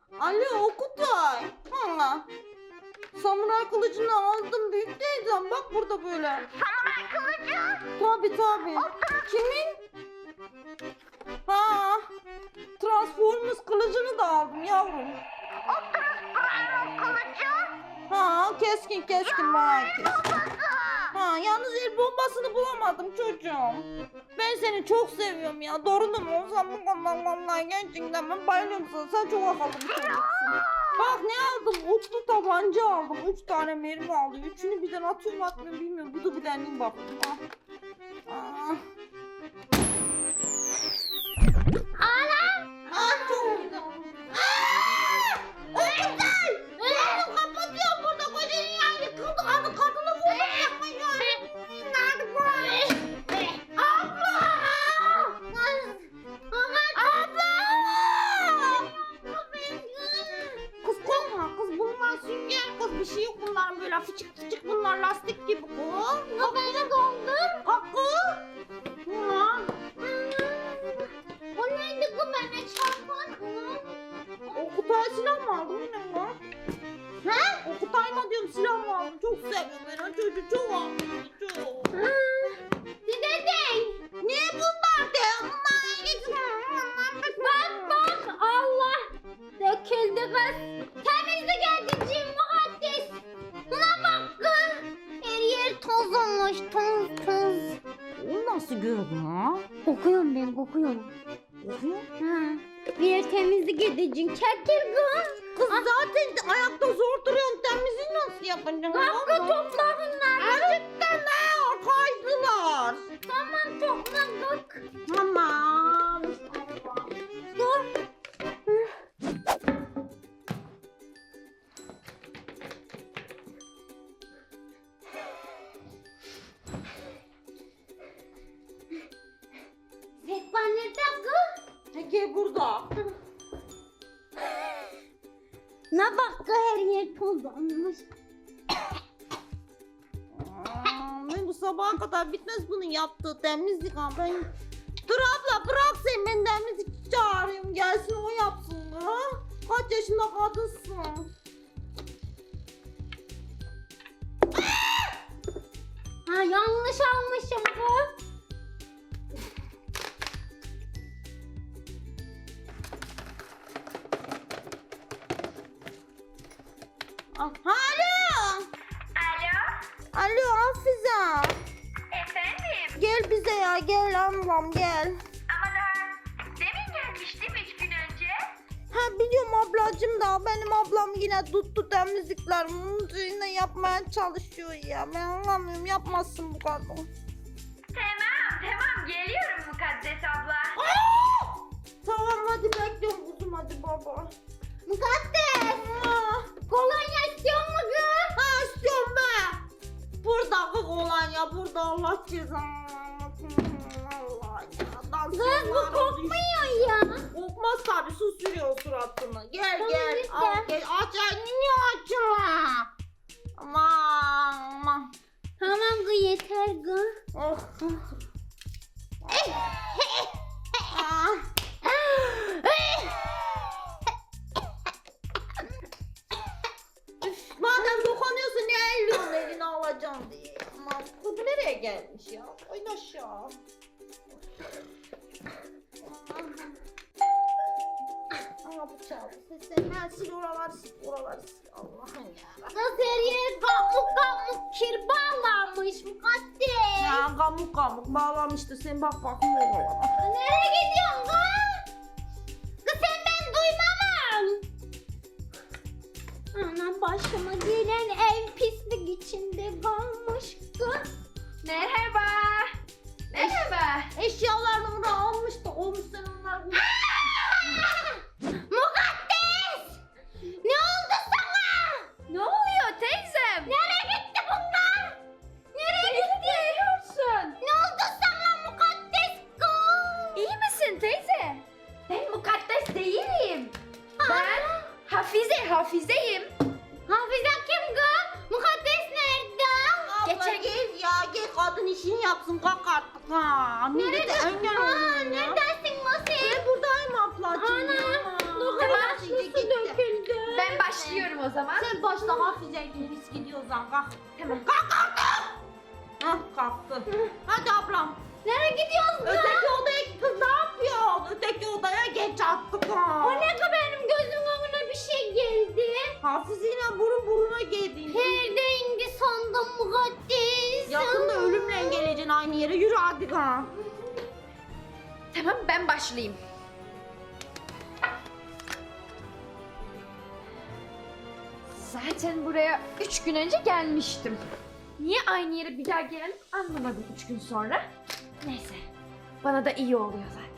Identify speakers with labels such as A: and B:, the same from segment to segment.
A: Alo Okutay. Ha. Samuray kılıcını aldım büyük teyzem. Bak burada böyle.
B: Samuray kılıcı.
A: Tabii. Kimin? Ha. Transformers kılıcını da aldım yavrum.
B: Optimus Prime kılıcı.
A: Ha keskin bayağı keskin.
B: Babası.
A: Ha yalnız el bombasını bulamadım çocuğum. Ben seni çok seviyorum ya. Doğru mu olsam bu konudan vallahi gerçekten ben bayılıyorum sana. Sen çok akıllı bir çocuksun. Bak ne aldım? Oklu tabanca aldım. 3 tane mermi aldım. Üçünü birden atıyorum atmıyorum bilmiyorum. Bu da bir deneyim bakayım. Ah. Çok güzel. Öğretmen! Benim kapatıyorum burada. Koca dünya yıkıldı. Kadını vurdum yapmayın. Nerede bu? Abla! Kız korkma kız bunlar sünger kız bir şey yok bunların böyle fıçık bunlar lastik gibi kız.
B: Beni dondum.
A: Hakkı. Ha.
B: O neydi bu bana çarpan?
A: Okutay silah mı aldın yine mi? He? Okutay mı diyorum silah mı aldın? Çok seviyorum ben o çocuğu çok aldım çok.
B: Dede.
A: Ne bunlar de?
B: Bak Allah. Döküldü kız. Temizlik edeceğim muhaddis. Buna bak kız. Her yer toz olmuş toz.
A: Onu nasıl gördün ha?
B: Kokuyorum ben kokuyorum.
A: Kokuyor.
B: Ha. Bir yer temizlik edeceğim. Çekil kız.
A: Kız zaten ayakta zor duruyorsun temizliği nasıl yapacaksın?
B: Hakkı topla bunları.
A: Gerçekten ne? Kaydılar.
B: Tamam topladık.
A: Tamam.
B: Dur. Sekban nerede kız?
A: Peki burada.
B: Ne bak kız her yer toz olmuş.
A: Ben bu sabaha kadar bitmez bunun yaptığı temizlik ha ben. Dur abla bırak sen ben temizlikçi çağırayım gelsin o yapsın ha. Kaç yaşında kadınsın?
B: Ha yanlış almışım kız.
A: Alo.
C: Alo,
A: Alo Hafize.
C: efendim.
A: Gel bize ya gel ablam gel.
C: Ama daha demin gelmiştim 3 gün önce.
A: Ha biliyorum ablacım da benim ablam yine tuttu temizliklerimi yine yapmaya çalışıyor ya. Ben anlamıyorum yapmasın bu kadın.
C: Tamam, geliyorum Mukaddes abla.
A: Tamam hadi bekliyorum kuzum hadi baba.
B: Mukaddes. Kolonya istiyor mu kız?
A: Ha istiyorum be. Burada kız olan ya burada Allah cezanı. Allah ya.
B: Kız bu kokmuyor ya.
A: Kokmaz tabi su sürüyor suratını. Gel
B: Tamam,
A: gel
B: lütfen.
A: al gel aç niye açma. Aman.
B: Tamam kız yeter kız.
A: Oh. Ah. Üf, madem dokunuyorsun niye elliyorsun elini alacağım diye. Aman bu nereye gelmiş ya? Oyun aşağı. Aa bu çaldı. Seslerini sil oraları sil. Allah'ım ya.
B: Kız her yer kamuk kir bağlanmış Mukaddes.
A: Ha kamuk bağlamıştı sen bak bakayım oralara.
B: Nereye gidiyorsun kız? Kız sen ben duymamam. Anam başıma gelen ev pislik içinde kalmış kız.
C: Merhaba. Merhaba.
A: Eşyalarını da almış da olmuş sen onları.
B: Mukaddes! Ne oldu sana?
C: Ne oluyor teyzem?
B: Nereye gitti bunlar? Nereye gitti?
C: Biliyorsun.
B: Ne oldu sana Mukaddes kız?
C: İyi misin teyze? Ben Mukaddes değilim. Ben Hafizeyim.
B: Hafize kim kız? Mukaddes nerede?
A: Abla
C: Geçen-
A: gel kadın işini yapsın kalk artık ha. Millete engel olun ya.
B: Neredesin Musi?
A: Ben buradayım ablacığım
B: Ana,
A: ya.
B: dur
A: Tamam,
B: kız
A: şimdi
B: su
A: gitti.
B: döküldü o zaman.
A: Sen başla Hafize biz gidiyoruz lan kalk.
B: Tamam.
A: Hah kalktı. Hadi ablam.
B: Nereye gidiyoruz kız?
A: Öteki odaya kız ne yapıyor? Öteki odaya geç attık ha.
B: O ne ki benim gözümün önüne bir şey geldi.
A: Hafize'yle burun buruna girdin.
B: Perde indi sandım mukaddes.
A: Yakında ölümle geleceksin aynı yere. Yürü hadi ha.
B: Tamam ben başlayayım. Zaten buraya 3 gün önce gelmiştim. Niye aynı yere bir daha geldim anlamadım 3 gün sonra. Neyse. Bana da iyi oluyor zaten.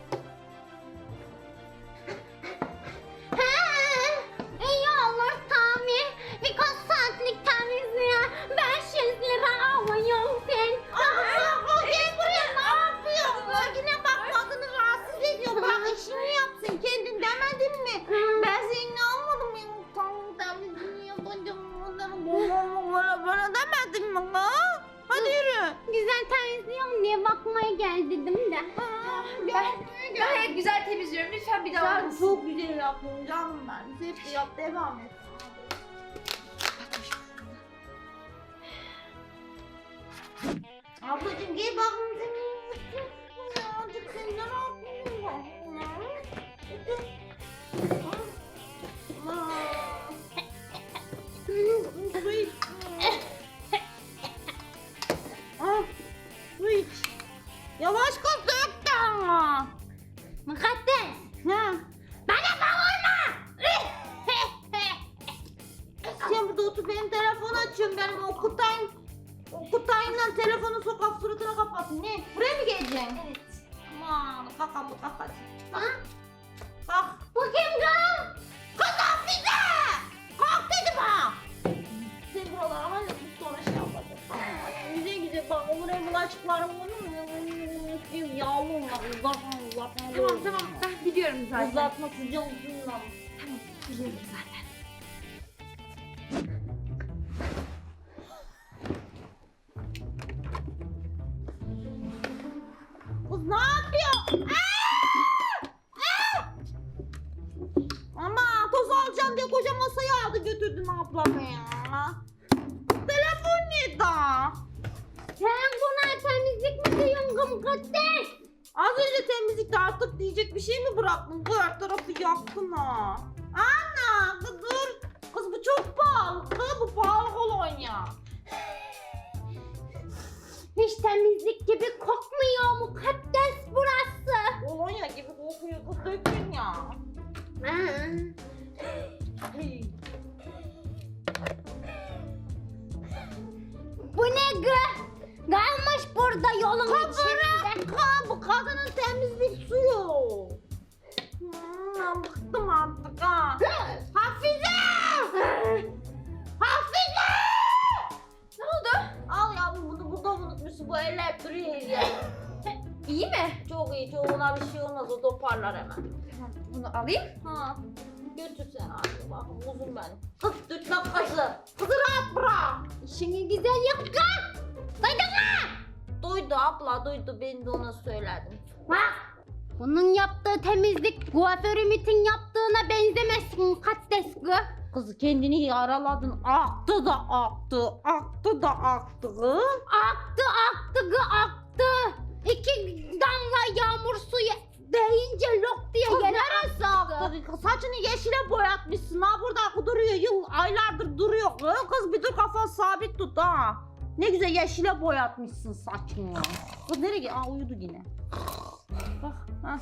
B: İyi olur Tami. Birkaç saatlik temizliğe 500 lira alıyorum sen.
A: Gel buraya ne yapıyorsun? Yine bak kadını rahatsız ediyor. Bak işini yapsın kendin demedin mi? Ben seni almadım ya. Tamam temizliğini yapacağım. Bana demedin mi ha? Hadi yürü.
B: Güzel temizliyorum diye bakmaya gel dedim de.
C: Gayet güzel temizliyorum. Lütfen bir daha
A: Sen
C: olmasın.
A: çok güzel yapıyorsun canım ben. Hep yap devam et. Ablacığım gel bakın senin azıcık sen ne yapıyorsun? Su iç. Su iç. Yavaş kız dök de ama.
B: Mukaddes.
A: Ne?
B: Bana bağırma.
A: Sen burada otur benim telefonu açıyorum benim Okutay'la telefonu sokak suratına kapatın. Ne? Buraya mı geleceksin?
B: Evet.
A: Aman kalk abla kalk hadi.
B: Ha?
A: Kalk.
B: Bu kim kız?
A: Kız Hafize! Kalk dedim ha! Sen buralara hala bu sonra şey yapacak. Güzel güzel bak buraya bulaşıklarım yağlı olmak uzatma.
B: Tamam ben biliyorum zaten.
A: Uzatma sıcak uzunla.
B: Tamam biliyorum zaten.
A: Kız ne yapıyor? Ama toz alacağım diye koca masayı aldı götürdün ablamı ya. Telefon nerede?
B: Sen buna temizlik mi diyorsun mukaddes?
A: Az önce temizlikte artık diyecek bir şey mi bıraktın? Bu her tarafı yaktın ha. Ana kız dur. Kız bu çok pahalı. Kız bu pahalı kolonya.
B: Hiç temizlik gibi kokmuyor mukaddes burası.
A: Kolonya gibi kokuyor kız dökün ya. Hey.
B: Bu ne gı? Kalmış burada yolun içinde.
A: Bu kadının temizlik suyu. Bıktım artık ha. Hafize! Hafize!
B: Ne oldu?
A: Al yavrum bunu burada unutmuşsun. Bu elle hep duruyor ya.
B: İyi mi?
A: Çok iyi. Çoğuna bir şey olmaz. O toparlar hemen.
B: Tamam bunu alayım.
A: Ha. Götür sen abi. Bak uzun ben. Kız tutma kızı. Kızı rahat bırak.
B: İşini güzel yap kız. Duydun mu?
A: Duydu abla duydu. Ben de ona söyledim.
B: Bak. Bunun yaptığı temizlik kuaför Ümit'in yaptığına benzemez mukaddes kız.
A: Kız kendini yaraladın. Aktı da aktı. Aktı da aktı.
B: Aktı aktı. 2 damla yağmur suyu değince lok diye
A: Kız
B: yere
A: neresi aktı? Saçını yeşile boyatmışsın. Ha burada duruyor. Aylardır duruyor. Kız bir dur kafanı sabit tut ha. Ne güzel yeşile boyatmışsın saçını. Kız nereye? Aa uyudu yine. Bak. Ha.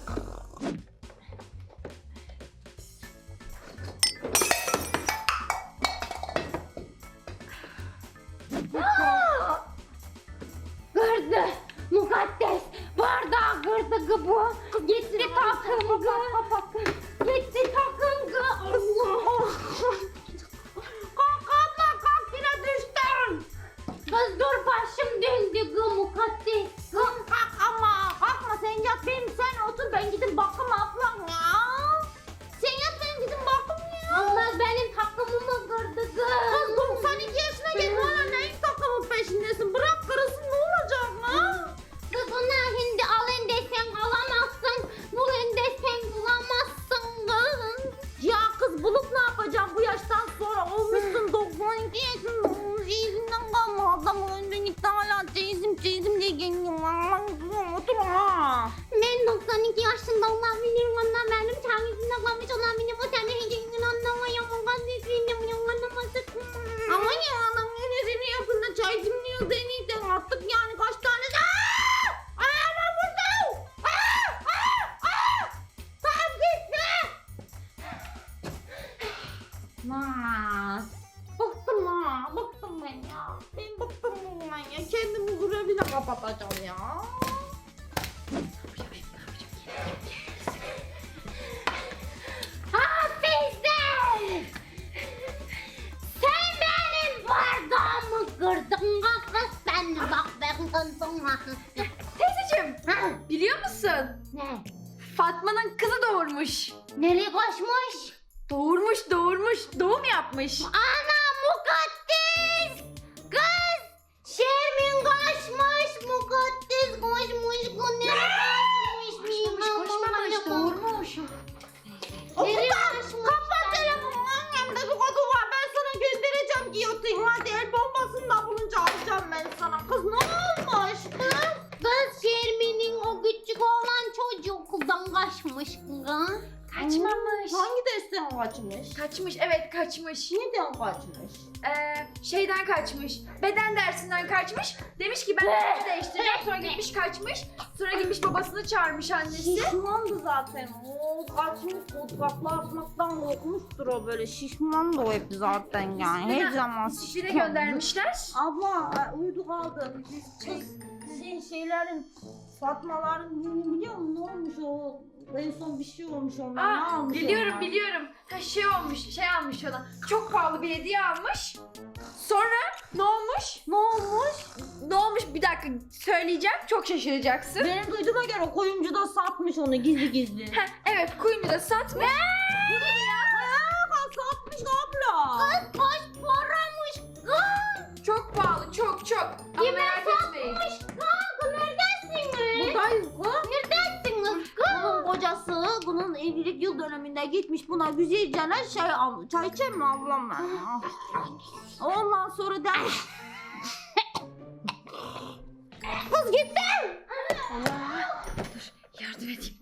B: Kırdı mukaddes. Bardağı kırdı kız bu. Gitti takım kız. Gitti takım kız. Allah.
A: Kalk abla kalk yine düştün.
B: Kız dur başım döndü kız mukaddes.
A: Kalk ama kalkma sen yat benim sen otur ben gidip bakım Lan. Bıktım ha. Bıktım ben ya. Ben bıktım bundan ya. Kendimi grevine kapatacağım ya.
D: Hafize! Sen benim bardağımı kırdın kız. Ben bak ben kırdım.
B: Teyzeciğim, biliyor musun?
D: Ne?
B: Fatma'nın kızı doğurmuş.
D: Nereye kaçmış?
B: Doğurmuş. Doğum yapmış.
D: Ana mukaddes! Kız! Şermin kaçmış! Mukaddes kaçmış! Kız nereye kaçmış?
B: Koşmamış, doğurmuş.
D: Nereye kaçmış?
A: Kapat telefonu. Annemde bir kodu var. Ben sana göndereceğim giyotin. Hadi el bombasını da bulunca alacağım ben sana. Kız ne olmuş?
D: Kız Şermin'in o küçük olan çocuğu okuldan kaçmış kız.
B: Kaçmamış.
A: Hangi dersten kaçmış?
B: Kaçmış, evet kaçmış.
A: Neden kaçmış?
B: Şeyden kaçmış. Beden dersinden kaçmış. Demiş ki ben üstümü değiştireceğim. Sonra gitmiş kaçmış. Sonra gitmiş babasını çağırmış annesi.
A: Şişmandı zaten. O kaçmış fotoğrafla atmaktan korkmuştur o böyle. Şişmandı o hep zaten yani. Her zaman
B: Şişline
A: şişman.
B: göndermişler.
A: Abla uyudu kaldı. Biz kız şeylerin Fatmaların biliyor musun ne olmuş o? En son bir şey olmuş onlar. Ne almış
B: Biliyorum
A: onlar?
B: biliyorum. Şey almış ona. Çok pahalı bir hediye almış. Sonra ne olmuş?
A: Ne olmuş?
B: Ne olmuş bir dakika söyleyeceğim. Çok şaşıracaksın.
A: Benim duyduğuma göre o koyuncu da satmış onu gizli gizli.
B: Heh, evet kuyunu da satmış.
A: Satmış abla.
D: Kaç paramış kız?
B: Çok pahalı çok. Ama merak etmeyin.
D: Kız neredesiniz?
A: Buradayız kız.
D: Neredesiniz kız?
A: Bunun kocası bunun evlilik yıl döneminde gitmiş buna güzelce şey almış. Çay içer mi ablam ben? Ondan sonra demiş. Kız gitti.
B: Yardım edeyim.